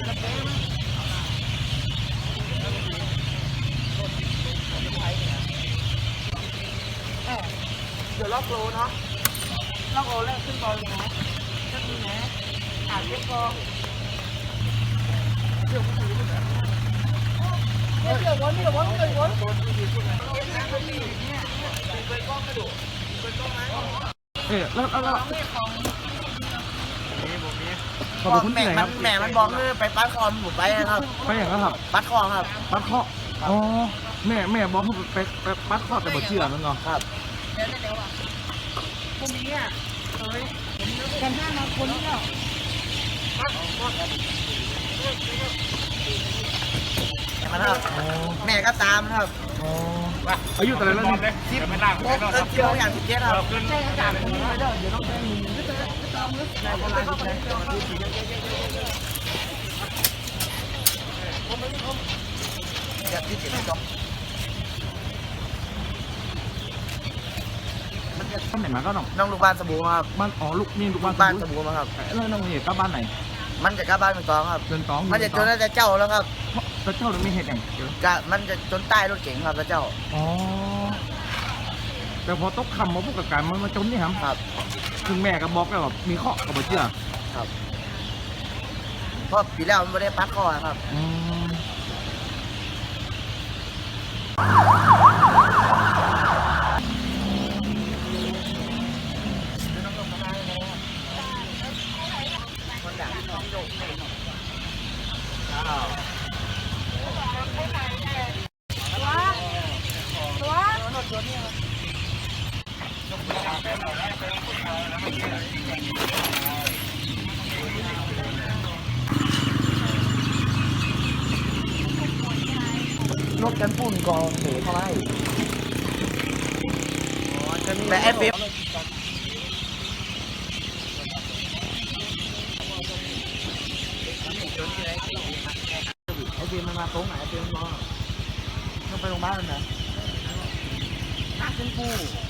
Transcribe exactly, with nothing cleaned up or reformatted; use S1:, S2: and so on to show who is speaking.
S1: เดี๋ยวล็อกโลเนาะล็อกโลแล้วขึ้นบอลเลยนะก็คือนะอ่านเรียกกองเดี๋ยวมันถือขึ้นนะเดี๋ยวเดี๋ยววนเดี๋ยววนเดี๋ยววน
S2: เออแล้วแล้วขอบคุณ
S1: แม่
S2: ที่ไหน
S1: มั
S2: คน รับ
S1: แม่มันบอกเลยไปปัดคอมผมไปนะครับ
S2: ไปอย่างนั้นครับ
S1: ปัดคอครับ
S2: ปัดเคาะอ๋อแม่แม่บอกให้ไปไปปัดเคาะแต่บ่เชื่อมันเนาะ
S1: ครับเดี๋ยวเดี๋ยวอ่ะพวกนี้อ่ะเฮ้ยกันห้ามาคนนี้แล้วมันครับแม่ก็ตามครับ
S2: อ๋ออายุแต่ละแล้วนี่
S1: สิบโมงเออสิบโมงอย่างสิบเจ็ดครับใช่อากาศมันน้อยเด้อเดี๋ยวต้องไปมีก็จะก็ตามลึกในเวลาที่ไหนอยากที่เจ็ดจบ
S2: บ้านไหนมาก็น้อง
S1: น้องลูกบ้านสบู่ครับ
S2: บ้านอ๋อลูกนี่ลูกบ้าน
S1: บ้านสบู่มาครับ
S2: แล้วน้องนี่กลับบ้านไหน
S1: มันจะกลับบ้านเป็นกองครับ
S2: เดินตอง
S1: มันจะจนแต่เจ้าแล้วครับ
S2: แล้วเจ้าเลยไม่เห็นอย่างเดียว
S1: กะมันจะจนใต้รถเก๋งครับแล้วเจ้า
S2: อ๋อแต่พอตกคำมาพวกกับการมันมาจนนี่ครับ
S1: ครับ
S2: ถึงแม่ก็บอกแล้วแบบมีเคาะกับบ่เชื่อ
S1: ครับเพราะปีแล้วมันไม่ได้ปัดคอครับ
S2: อืม
S1: รถกันปุ่นกองเสียเท่าไหร่แต่แอปเปิลไอเบียมันมาตรงไหนไอเบียมันรอต้องไปโรงพยาบาลนะน่าเป็นกู